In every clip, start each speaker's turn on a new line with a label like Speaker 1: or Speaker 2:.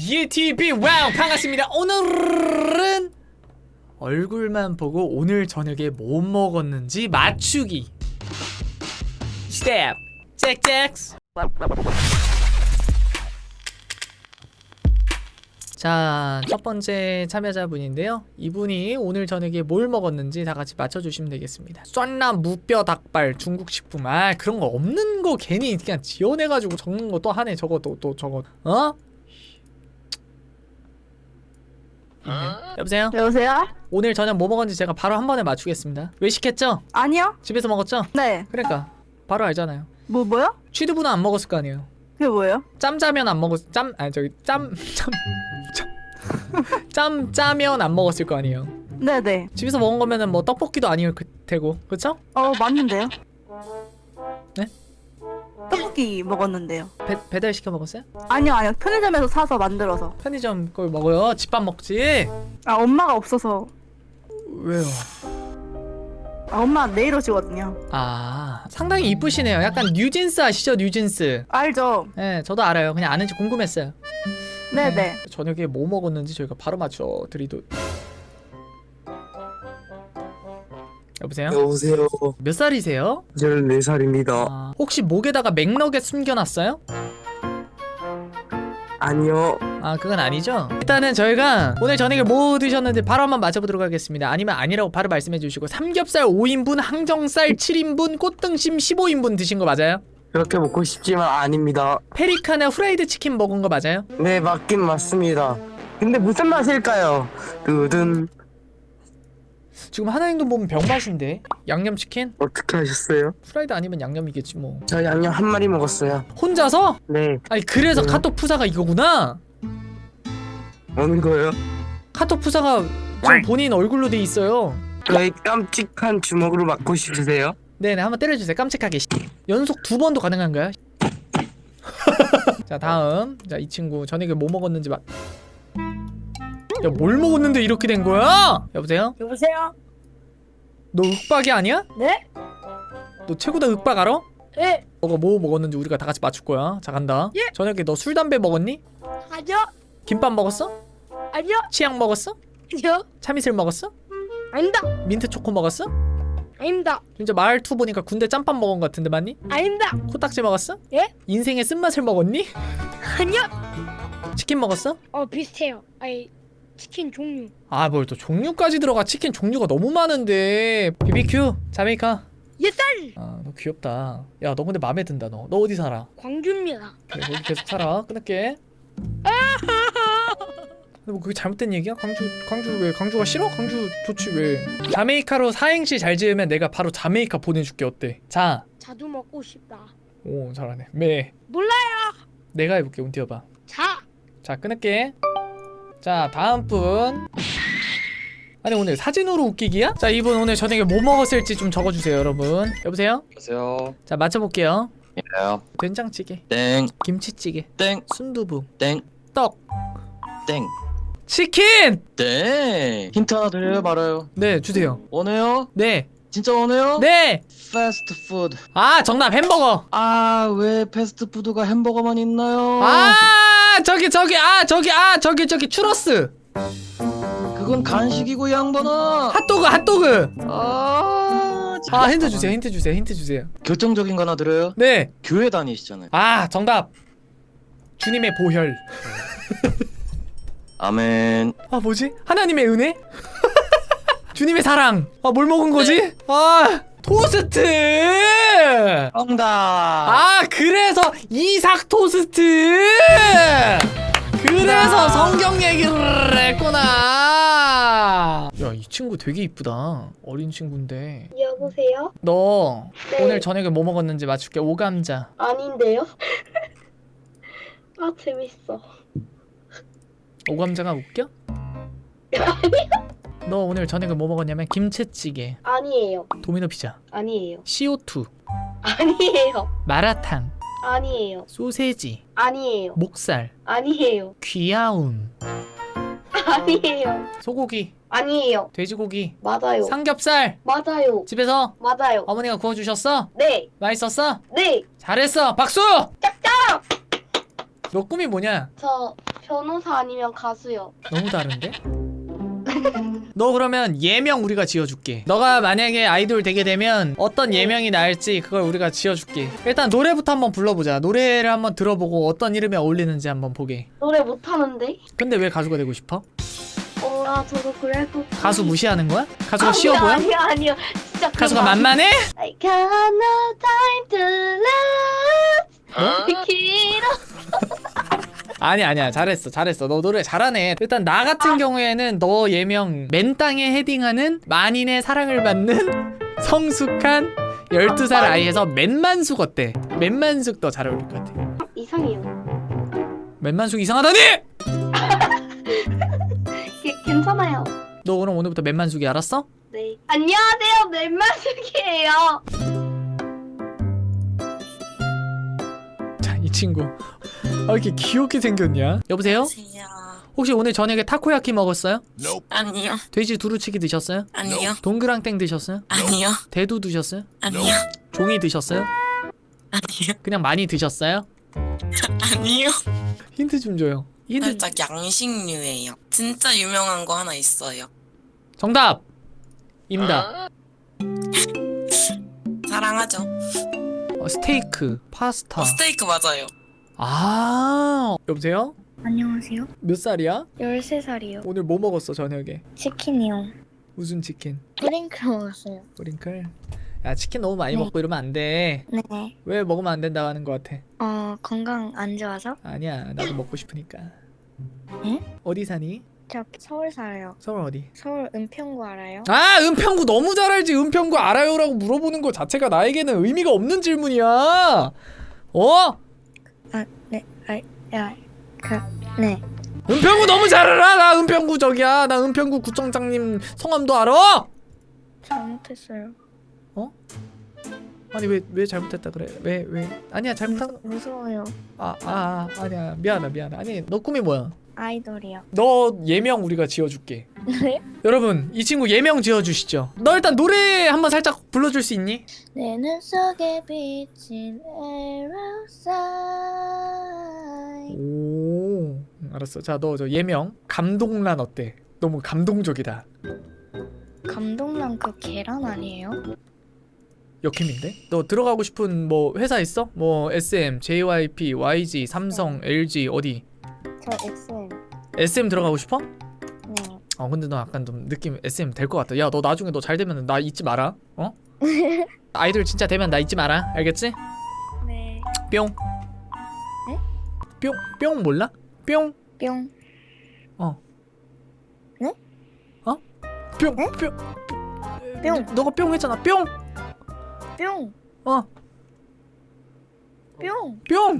Speaker 1: 예TV 와우 반갑습니다. 오늘은 얼굴만 보고 오늘 저녁에 뭐 먹었는지 맞추기 스텝 잭잭. 자, 첫 번째 참여자분인데요. 이분이 오늘 저녁에 뭘 먹었는지 다 같이 맞춰주시면 되겠습니다. 酸남 무뼈 닭발 중국식품. 아, 그런 거 없는 거 괜히 그냥 지어내가지고 적는 거 또 하네. 저거 또 저거. 어? 여보세요?
Speaker 2: 여보세요?
Speaker 1: 오늘 저녁 뭐 먹었는지 제가 바로 한 번에 맞추겠습니다. 외식했죠?
Speaker 2: 아니요?
Speaker 1: 집에서 먹었죠?
Speaker 2: 네.
Speaker 1: 그러니까 바로 알잖아요.
Speaker 2: 뭐요?
Speaker 1: 취두부는 안 먹었을 거 아니에요.
Speaker 2: 그게 뭐예요?
Speaker 1: 짬짜면 안 먹었 짬짜면 안 먹었을 거 아니에요.
Speaker 2: 네네.
Speaker 1: 집에서 먹은 거면은 뭐 떡볶이도 아니올 테고, 그렇죠?
Speaker 2: 맞는데요?
Speaker 1: 네?
Speaker 2: 떡볶이 먹었는데요.
Speaker 1: 배달 시켜 먹었어요?
Speaker 2: 아니요. 편의점에서 사서 만들어서.
Speaker 1: 편의점 걸 먹어요. 집밥 먹지.
Speaker 2: 엄마가 없어서.
Speaker 1: 왜요?
Speaker 2: 엄마 내일 오시거든요.
Speaker 1: 아, 상당히 이쁘시네요. 약간 뉴진스 아시죠? 뉴진스.
Speaker 2: 알죠?
Speaker 1: 네, 저도 알아요. 그냥 아는지 궁금했어요.
Speaker 2: 네네.
Speaker 1: 저녁에 뭐 먹었는지 저희가 바로 맞춰드리도. 여보세요?
Speaker 3: 여보세요.
Speaker 1: 몇 살이세요?
Speaker 3: 14살입니다.
Speaker 1: 아, 혹시 목에다가 맥너겟 숨겨놨어요?
Speaker 3: 아니요.
Speaker 1: 아, 그건 아니죠? 일단은 저희가 오늘 저녁에 뭐 드셨는지 바로 한번 맞춰보도록 하겠습니다. 아니면 아니라고 바로 말씀해 주시고. 삼겹살 5인분, 항정살 7인분, 꽃등심 15인분 드신 거 맞아요?
Speaker 3: 그렇게 먹고 싶지만 아닙니다.
Speaker 1: 페리카나 후라이드 치킨 먹은 거 맞아요?
Speaker 3: 네, 맞긴 맞습니다. 근데 무슨 맛일까요? 두둔.
Speaker 1: 지금 하나행동 보면 병맛인데. 양념치킨?
Speaker 3: 어떻게 하셨어요?
Speaker 1: 후라이드 아니면 양념이겠지 뭐.
Speaker 3: 저 양념 한 마리 먹었어요.
Speaker 1: 혼자서?
Speaker 3: 네.
Speaker 1: 아니 그래서
Speaker 3: 네.
Speaker 1: 카톡 푸사가 이거구나.
Speaker 3: 어느 거요?
Speaker 1: 카톡 푸사가 지금 본인 얼굴로 돼 있어요.
Speaker 3: 저희 깜찍한 주먹으로 맞고 싶으세요?
Speaker 1: 네네, 한번 때려주세요. 깜찍하게. 연속 2번도 가능한가요? 자, 다음. 자, 이 친구 저녁에 뭐 먹었는지 막. 야, 뭘 먹었는데 이렇게 된 거야? 여보세요?
Speaker 2: 여보세요?
Speaker 1: 너 윽박이 아니야?
Speaker 2: 네?
Speaker 1: 너 최고다 윽박 알아?
Speaker 2: 네.
Speaker 1: 너가 뭐 먹었는지 우리가 다 같이 맞출 거야. 자, 간다.
Speaker 2: 예.
Speaker 1: 저녁에 너 술 담배 먹었니?
Speaker 2: 아니요?
Speaker 1: 김밥 먹었어?
Speaker 2: 아니요?
Speaker 1: 치약 먹었어?
Speaker 2: 아니요?
Speaker 1: 참이슬 먹었어?
Speaker 2: 아닙니다.
Speaker 1: 민트 초코 먹었어?
Speaker 2: 아닙니다.
Speaker 1: 진짜 말투 보니까 군대 짬밥 먹은 것 같은데 맞니?
Speaker 2: 아닙니다.
Speaker 1: 코딱지 먹었어?
Speaker 2: 예?
Speaker 1: 인생의 쓴맛을 먹었니?
Speaker 2: 아니요?
Speaker 1: 치킨 먹었어?
Speaker 2: 비슷해요. 치킨 종류.
Speaker 1: 아, 뭘 또 종류까지 들어가. 치킨 종류가 너무 많은데. BBQ 자메이카.
Speaker 2: 예쌀!
Speaker 1: 아, 너 귀엽다. 야, 너 근데 마음에 든다. 너 어디 살아?
Speaker 2: 광주입니다.
Speaker 1: 그래, 거기 계속 살아. 끊을게. 근데 뭐 그게 잘못된 얘기야? 광주 왜? 광주가 싫어? 광주 좋지 왜? 자메이카로 사행시 잘 지으면 내가 바로 자메이카 보내줄게. 어때? 자.
Speaker 2: 자두 먹고 싶다.
Speaker 1: 오, 잘하네. 매.
Speaker 2: 몰라요.
Speaker 1: 내가 해볼게. 운 띄워봐.
Speaker 2: 자,
Speaker 1: 끊을게. 자, 다음 분. 아니, 오늘 사진으로 웃기기야? 자, 이분 오늘 저녁에 뭐 먹었을지 좀 적어주세요, 여러분. 여보세요?
Speaker 4: 안녕하세요.
Speaker 1: 자, 맞춰볼게요.
Speaker 4: 예요.
Speaker 1: 된장찌개,
Speaker 4: 땡,
Speaker 1: 김치찌개,
Speaker 4: 땡,
Speaker 1: 순두부,
Speaker 4: 땡,
Speaker 1: 떡,
Speaker 4: 땡,
Speaker 1: 치킨!
Speaker 4: 땡. 힌트 하나 드려요, 말아요.
Speaker 1: 네, 주세요.
Speaker 4: 원해요?
Speaker 1: 네,
Speaker 4: 진짜 원해요?
Speaker 1: 네!
Speaker 4: 패스트푸드.
Speaker 1: 아, 정답 햄버거!
Speaker 4: 아, 왜 패스트푸드가 햄버거만 있나요?
Speaker 1: 저기 추러스!
Speaker 4: 그건 간식이고, 이 양반아.
Speaker 1: 핫도그!
Speaker 4: 아,
Speaker 1: 힌트 주세요.
Speaker 4: 결정적인 거 하나 드려요.
Speaker 1: 네!
Speaker 4: 교회 다니시잖아요.
Speaker 1: 아, 정답! 주님의 보혈.
Speaker 4: 아멘.
Speaker 1: 아, 뭐지? 하나님의 은혜? 주님의 사랑. 아, 뭘 먹은 거지? 아, 토스트!
Speaker 4: 정답.
Speaker 1: 아, 그래서 이삭 토스트! 그래서 성경 얘기를 했구나. 야, 이 친구 되게 이쁘다. 어린 친구인데.
Speaker 5: 여보세요?
Speaker 1: 너
Speaker 5: 네.
Speaker 1: 오늘 저녁에 뭐 먹었는지 맞출게. 오감자.
Speaker 5: 아닌데요? 아 재밌어.
Speaker 1: 오감자가 웃겨? 너 오늘 저녁에 뭐 먹었냐면 김치찌개,
Speaker 5: 아니에요.
Speaker 1: 도미노 피자,
Speaker 5: 아니에요.
Speaker 1: CO2,
Speaker 5: 아니에요.
Speaker 1: 마라탕,
Speaker 5: 아니에요.
Speaker 1: 소세지,
Speaker 5: 아니에요.
Speaker 1: 목살,
Speaker 5: 아니에요.
Speaker 1: 귀여움,
Speaker 5: 아니에요.
Speaker 1: 소고기,
Speaker 5: 아니에요.
Speaker 1: 돼지고기,
Speaker 5: 맞아요.
Speaker 1: 삼겹살.
Speaker 5: 맞아요.
Speaker 1: 집에서
Speaker 5: 맞아요.
Speaker 1: 어머니가 구워주셨어?
Speaker 5: 네.
Speaker 1: 맛있었어?
Speaker 5: 네.
Speaker 1: 잘했어. 박수!
Speaker 5: 짝짝.
Speaker 1: 너 꿈이 뭐냐?
Speaker 5: 저 변호사 아니면 가수요.
Speaker 1: 너무 다른데? 너 그러면 예명 우리가 지어줄게. 너가 만약에 아이돌 되게 되면 어떤 예명이 나을지 그걸 우리가 지어줄게. 일단 노래부터 한번 불러보자. 노래를 한번 들어보고 어떤 이름에 어울리는지 한번 보게.
Speaker 5: 노래 못하는데?
Speaker 1: 근데 왜 가수가 되고 싶어?
Speaker 5: 저도 그래도.
Speaker 1: 가수 무시하는 거야? 가수가 쉬워 보여?
Speaker 5: 아니요. 진짜
Speaker 1: 가수가 만만해?
Speaker 5: I got no time to lose. 길어.
Speaker 1: 아니야 잘했어 너 노래 잘하네. 일단 나 같은 경우에는 너 예명 맨땅에 헤딩하는 만인의 사랑을 받는 성숙한 12살 아이에서 맨만숙 어때? 맨만숙 더 잘 어울릴 것 같아.
Speaker 5: 이상해요.
Speaker 1: 맨만숙 이상하다니?
Speaker 5: 괜찮아요.
Speaker 1: 너 그럼 오늘부터 맨만숙이 알았어?
Speaker 5: 네. 안녕하세요. 맨마숙이에요.
Speaker 1: 자, 이 친구 왜 이렇게 귀엽게 생겼냐? 여보세요?
Speaker 6: 안녕하세요.
Speaker 1: 혹시 오늘 저녁에 타코야키 먹었어요?
Speaker 6: 아니요.
Speaker 1: 돼지 두루치기 드셨어요?
Speaker 6: 아니요.
Speaker 1: 동그랑땡 드셨어요?
Speaker 6: 아니요.
Speaker 1: 대두 드셨어요?
Speaker 6: 아니요.
Speaker 1: 종이 드셨어요?
Speaker 6: 아니요.
Speaker 1: 그냥 많이 드셨어요?
Speaker 6: 아니요.
Speaker 1: 힌트 좀 줘요. 힌트.
Speaker 6: 살짝 양식류예요. 진짜 유명한 거 하나 있어요.
Speaker 1: 정답! 임답.
Speaker 6: 사랑하죠.
Speaker 1: 스테이크, 파스타.
Speaker 6: 스테이크 맞아요.
Speaker 1: 아, 여보세요?
Speaker 7: 안녕하세요.
Speaker 1: 몇 살이야?
Speaker 7: 13살이요.
Speaker 1: 오늘 뭐 먹었어 저녁에?
Speaker 7: 치킨이요.
Speaker 1: 무슨 치킨?
Speaker 7: 프링클 먹었어요.
Speaker 1: 브링클? 야, 치킨 너무 많이
Speaker 7: 네.
Speaker 1: 먹고 이러면 안 돼.
Speaker 7: 네.
Speaker 1: 왜 먹으면 안 된다고 하는 것 같아?
Speaker 7: 건강 안 좋아서?
Speaker 1: 아니야, 나도 먹고 싶으니까.
Speaker 7: 에?
Speaker 1: 어디 사니?
Speaker 7: 저 서울 살아요.
Speaker 1: 서울 어디?
Speaker 7: 서울 은평구 알아요?
Speaker 1: 아, 은평구 너무 잘 알지. 은평구 알아요라고 물어보는 거 자체가 나에게는 의미가 없는 질문이야. 어?
Speaker 7: 네.
Speaker 1: 은평구 너무 잘 알아. 나 은평구 저기야. 나 은평구 구청장님 성함도 알아.
Speaker 7: 잘못했어요.
Speaker 1: 아니 왜 잘못했다 그래? 왜? 아니야 잘못한.
Speaker 7: 무서워요.
Speaker 1: 아니야 미안하다. 아니 너 꿈이 뭐야?
Speaker 7: 아이돌이요.
Speaker 1: 너 예명 우리가 지어줄게.
Speaker 7: 네?
Speaker 1: 여러분 이 친구 예명 지어주시죠. 너 일단 노래 한번 살짝 불러줄 수 있니?
Speaker 7: 내 눈 속에 비친 arrow sign.
Speaker 1: 오, 알았어. 자, 너 저 예명 감동란 어때? 너무 감동적이다.
Speaker 7: 감동란 그 계란 아니에요?
Speaker 1: 역힘인데? 너 들어가고 싶은 뭐 회사 있어? 뭐 SM, JYP, YG, 삼성, LG 어디?
Speaker 7: 저 SM.
Speaker 1: SM 들어가고 싶어?
Speaker 7: 네.
Speaker 1: 근데 너 약간 좀 느낌 SM 될 것 같다. 야, 너 나중에 너 잘 되면 나 잊지 마라. 어? 아이돌 진짜 되면 나 잊지 마라. 알겠지?
Speaker 7: 네.
Speaker 1: 뿅.
Speaker 7: 네?
Speaker 1: 뿅 몰라? 뿅.
Speaker 7: 뿅.
Speaker 1: 뿅.
Speaker 7: 네?
Speaker 1: 뿅.
Speaker 7: 뿅.
Speaker 1: 너가 뿅 했잖아. 뿅.
Speaker 7: 뿅.
Speaker 1: 어.
Speaker 7: 뿅.
Speaker 1: 뿅.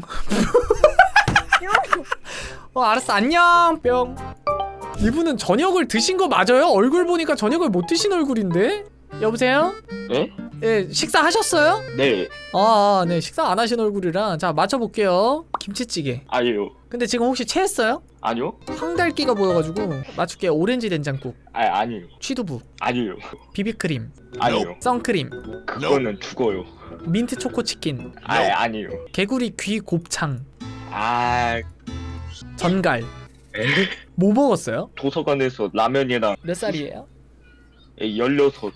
Speaker 7: 뿅.
Speaker 1: 알았어. 안녕. 뿅. 이분은 저녁을 드신 거 맞아요? 얼굴 보니까 저녁을 못 드신 얼굴인데? 여보세요?
Speaker 8: 네?
Speaker 1: 예, 식사하셨어요?
Speaker 8: 네.
Speaker 1: 네. 식사 안 하신 얼굴이라. 자, 맞춰볼게요. 김치찌개.
Speaker 8: 아니요.
Speaker 1: 근데 지금 혹시 체했어요?
Speaker 8: 아니요?
Speaker 1: 황달기가 보여가지고 맞출게요. 오렌지 된장국,
Speaker 8: 아니요.
Speaker 1: 취두부,
Speaker 8: 아니요.
Speaker 1: 비비크림,
Speaker 8: 아니요.
Speaker 1: 선크림,
Speaker 8: 그거는 죽어요.
Speaker 1: 민트 초코 치킨,
Speaker 8: 아니요.
Speaker 1: 개구리 귀 곱창,
Speaker 8: 아,
Speaker 1: 전갈. 뭐 먹었어요?
Speaker 8: 도서관에서 라면이랑
Speaker 1: 몇 살이에요?
Speaker 8: 16.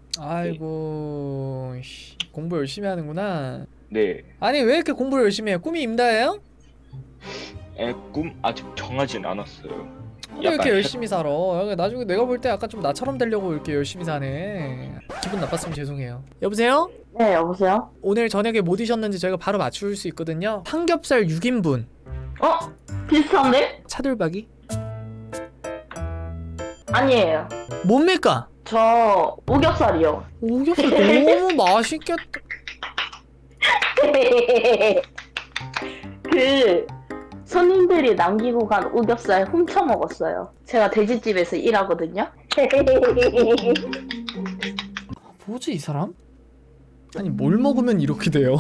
Speaker 1: 아이고, 공부 열심히 하는구나.
Speaker 8: 네.
Speaker 1: 아니 왜 이렇게 공부를 열심히 해요? 꿈이 임다예요?
Speaker 8: 꿈 아직 정하진 않았어요.
Speaker 1: 왜 이렇게 열심히 살아? 나중에 내가 볼 때 약간 좀 나처럼 되려고 이렇게 열심히 사네. 기분 나빴으면 죄송해요. 여보세요?
Speaker 5: 네, 여보세요?
Speaker 1: 오늘 저녁에 뭐 드셨는지 저희가 바로 맞출 수 있거든요. 삼겹살 6인분,
Speaker 5: 비슷한데?
Speaker 1: 차돌박이.
Speaker 5: 아니에요.
Speaker 1: 뭡니까?
Speaker 5: 저 오겹살이요.
Speaker 1: 오겹살 너무 맛있겠다.
Speaker 5: 그 손님들이 남기고 간 오겹살 훔쳐 먹었어요. 제가 돼지집에서 일하거든요.
Speaker 1: 뭐지 이 사람? 아니 뭘 먹으면 이렇게 돼요?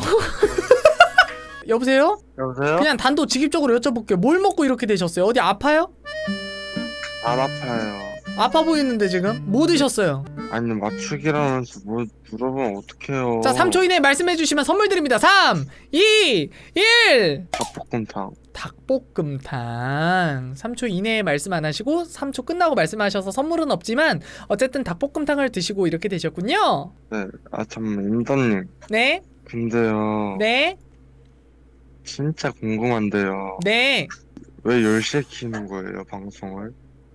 Speaker 1: 여보세요?
Speaker 3: 여보세요?
Speaker 1: 그냥 단도직입적으로 여쭤볼게요. 뭘 먹고 이렇게 되셨어요? 어디 아파요?
Speaker 3: 안 아파요.
Speaker 1: 아파 보이는데 지금? 뭐 드셨어요?
Speaker 9: 아니 맞추기라면서 뭐 물어보면 어떡해요.
Speaker 1: 자 3초 이내에 말씀해 주시면 선물 드립니다. 3 2 1
Speaker 9: 닭볶음탕.
Speaker 1: 닭볶음탕 3초 이내에 말씀 안 하시고 3초 끝나고 말씀하셔서 선물은 없지만 어쨌든 닭볶음탕을 드시고 이렇게 되셨군요.
Speaker 9: 네. 아 잠깐만 임다님.
Speaker 1: 네?
Speaker 9: 근데요.
Speaker 1: 네?
Speaker 9: 진짜 궁금한데요.
Speaker 1: 네?
Speaker 9: 왜 10시에 키는 거예요 방송을?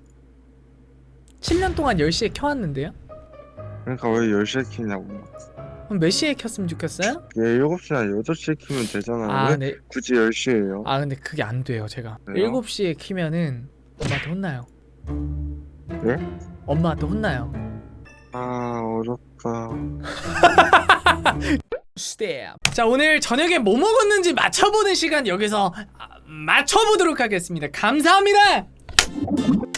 Speaker 1: 7년 동안 10시에 켜왔는데요?
Speaker 9: 그러니까 왜 10시에 키냐고.
Speaker 1: 그럼 몇 시에 켰으면 좋겠어요?
Speaker 9: 예 7시나 8시에 키면 되잖아요.
Speaker 1: 아
Speaker 9: 왜
Speaker 1: 네.
Speaker 9: 굳이 10시에요?
Speaker 1: 아 근데 그게 안 돼요 제가.
Speaker 9: 왜요?
Speaker 1: 7시에 키면은 엄마한테 혼나요.
Speaker 9: 예?
Speaker 1: 엄마한테 혼나요.
Speaker 9: 아 어렵다.
Speaker 1: 스텝. 자 오늘 저녁에 뭐 먹었는지 맞춰보는 시간 여기서 맞춰보도록 하겠습니다. 감사합니다.